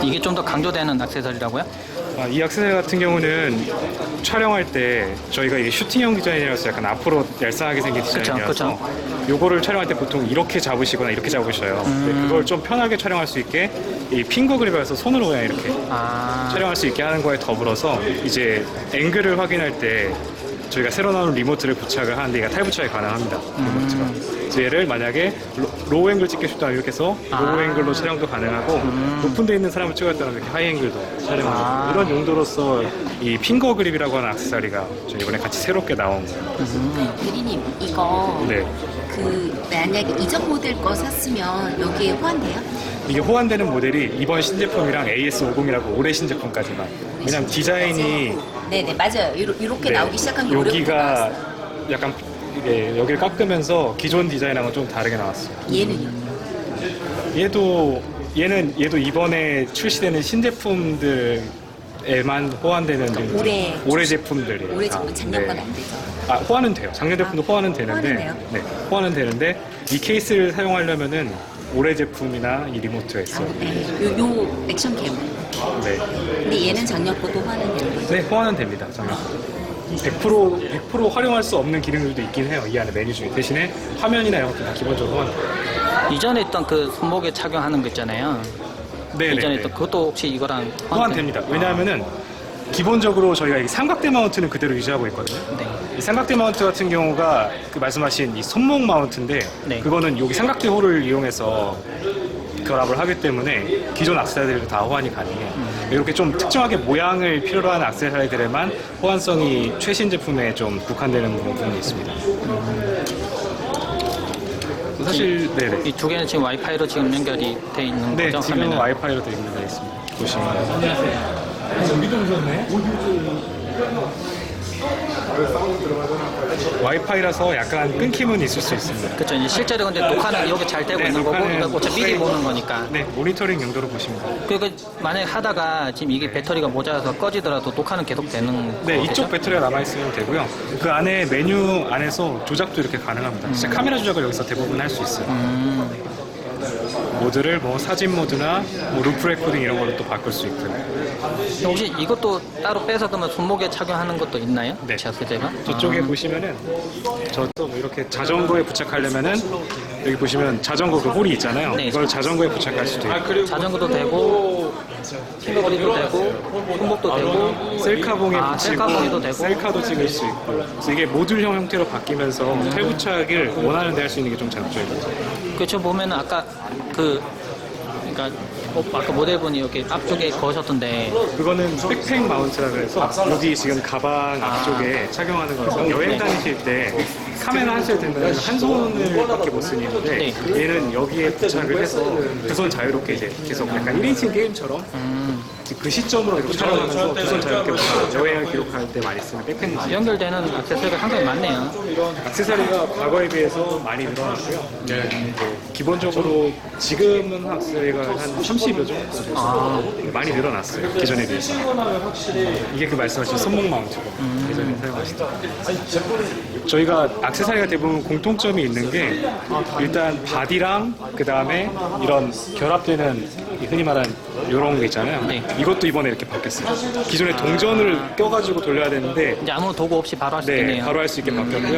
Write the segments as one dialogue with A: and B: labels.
A: 이게 좀 더 강조되는 액세서리라고요?
B: 이 액세서리 같은 경우는 촬영할 때 저희가 이게 슈팅형 디자인이라서 약간 앞으로 얄쌍하게 생긴 디자인이라서 요거를 촬영할 때 보통 이렇게 잡으시거나 이렇게 잡으셔요. 근데 그걸 좀 편하게 촬영할 수 있게 이 핑거 그립이라서 손으로 그냥 이렇게 촬영할 수 있게 하는 거에 더불어서 이제 앵글을 확인할 때 저희가 새로 나온 리모트를 부착을 하는데 얘가 탈부착이 가능합니다. 리모트가. 그래서 얘를 만약에 로우 앵글 찍고 싶다 이렇게 해서 로우 앵글로 촬영도 가능하고 높은 데 있는 사람을 찍었다면 이렇게 하이 앵글도 촬영하고 이런 용도로서 이 핑거 그립이라고 하는 액세서리가 저희 이번에 같이 새롭게 나온 거예요.
C: 대리님 이거
B: 네.
C: 만약에 이전 모델 거 샀으면 여기에 호환돼요?
B: 이게 호환되는 모델이 이번 신제품이랑 AS50이라고 올해 신제품까지만. 왜냐면 디자인이
C: 네네 맞아요. 이렇게
B: 네,
C: 나오기 시작한 게
B: 여기가 약간 이게 여기를 깎으면서 기존 디자인하고는 좀 다르게 나왔어요.
C: 얘는요?
B: 얘도 이번에 출시되는 신제품들에만 호환되는 올해 제품들이에요.
C: 올해 제품 작년 건 안 되죠?
B: 호환은 돼요. 작년 제품도 호환은 되는데,
C: 호환은 돼요?
B: 네, 호환은 되는데 이 케이스를 사용하려면은 올해 제품이나 이 리모트가 있어요.
C: 네. 요 액션 캠.
B: 네,
C: 근데 얘는 작년 거도 호환은 되는 거죠?
B: 네, 호환은 됩니다. 작년 100% 활용할 수 없는 기능들도 있긴 해요. 이 안에 메뉴 중에. 대신에 화면이나 이런 것도 다 기본적으로 호환.
A: 이전에 있던 그 손목에 착용하는 거 있잖아요.
B: 네,
A: 이전에 있던 그것도 혹시 이거랑
B: 호환됩니다. 왜냐하면은 기본적으로 저희가 이 삼각대 마운트는 그대로 유지하고 있거든요.
A: 네.
B: 이 삼각대 마운트 같은 경우가 그 말씀하신 이 손목 마운트인데
A: 네.
B: 그거는 여기 삼각대 홀을 이용해서 결합을 하기 때문에 기존 액세서리들도 다 호환이 가능해요. 이렇게 좀 특정하게 모양을 필요로 하는 액세서리들에만 호환성이 최신 제품에 좀 국한되는 부분이 있습니다. 사실 네네.
A: 이 두 개는 지금 와이파이로 지금 연결이 돼 있는
B: 네,
A: 거죠?
B: 지금
A: 화면은?
B: 와이파이로 되어 있습니다. 보시면. 와이파이라서 약간 끊김은 있을 수 있습니다.
A: 그렇죠. 이제 실제로 근데 녹화는 여기 잘 되고
B: 네,
A: 있는 거고,
B: 녹화는
A: 그러니까 어차피 미리 보는 거니까.
B: 네, 모니터링 용도로 보시면 돼요.
A: 그러니까 만약에 하다가 지금 이게 배터리가 모자라서 꺼지더라도 녹화는 계속 되는
B: 네,
A: 거겠죠?
B: 이쪽 배터리가 남아있으면 되고요. 그 안에 메뉴 안에서 조작도 이렇게 가능합니다. 진짜 카메라 조작을 여기서 대부분 할 수 있어요. 모드를 뭐 사진 모드나 뭐 루프 레코딩 이런 걸로 또 바꿀 수 있고요.
A: 혹시 이것도 따로 빼서 그러면 손목에 착용하는 것도 있나요?
B: 네.
A: 제가?
B: 저쪽에 보시면은 저도 뭐 이렇게 자전거에 부착하려면은 여기 보시면 자전거 그 홀이 있잖아요.
A: 네.
B: 이걸 자전거에 부착할 수도 있고
A: 자전거도 되고, 핑거그립도 되고, 손목도 되고,
B: 셀카봉에 붙이고
A: 셀카봉에도 되고.
B: 셀카도 찍을 수 있고 그래서 이게 모듈형 형태로 바뀌면서 탈부착을 원하는 데 할 수 있는 게 좀 장점이거든요.
A: 그쵸, 보면은 아까 그러니까 아까 모델분이 여기 앞쪽에 거셨던데,
B: 그거는 백팩 마운트라 그래서 여기 지금 가방 앞쪽에 착용하는 거라서 여행 다니실 때 카메라 하실 때는 한 손을 밖에 못 쓰는데 얘는 여기에 부착을 해서 두 손 자유롭게 이제 계속 약간 1인칭 게임처럼 그 시점으로 이렇게 촬영하면서 두 손 자유롭게 여행을 기록할 때 많이 쓰는 백팩 마운트.
A: 연결되는 액세서리가 상당히 많네요.
B: 액세서리가 과거에 비해서 많이 늘어났고요. 네. 기본적으로 지금은 액세서리가 한 30여 정도 많이 늘어났어요. 기존에 비해서. 이게 그 말씀하신 손목 마운트고 예전에 사용하시던. 저희가 액세서리가 대부분 공통점이 있는 게 일단 바디랑 그 다음에 이런 결합되는 흔히 말하는 이런 게 있잖아요.
A: 네.
B: 이것도 이번에 이렇게 바뀌었어요. 기존에 동전을 껴가지고 돌려야 되는데
A: 이제 아무 도구 없이 바로 할 수
B: 네,
A: 있네요.
B: 바로 할 수 있게 바뀌었고요.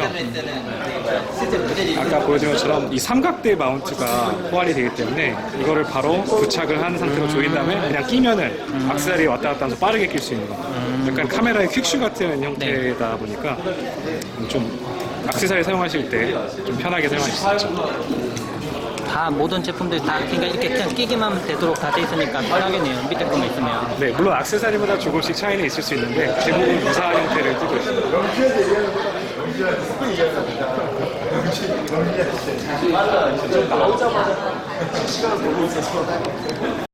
B: 아까 보여드린 것처럼 이 삼각대 마운트가 호환이 되기 때문에 이거를 바로 부착을 한 상태로 조인 다음에 그냥 끼면은 액세서리 왔다 갔다 하면서 빠르게 낄 수 있는 거. 약간 카메라의 퀵슈 같은 형태다 보니까 좀 액세서리 사용하실 때 좀 편하게 사용하실 수 있죠.
A: 다 모든 제품들이 다 그러니까 이렇게 그냥 끼기만 되도록 다 돼 있으니까 편하겠네요. 밑에 거만 있으면.
B: 네, 물론 액세서리마다 조금씩 차이는 있을 수 있는데 대부분 유사한 형태를 띠고 있습니다.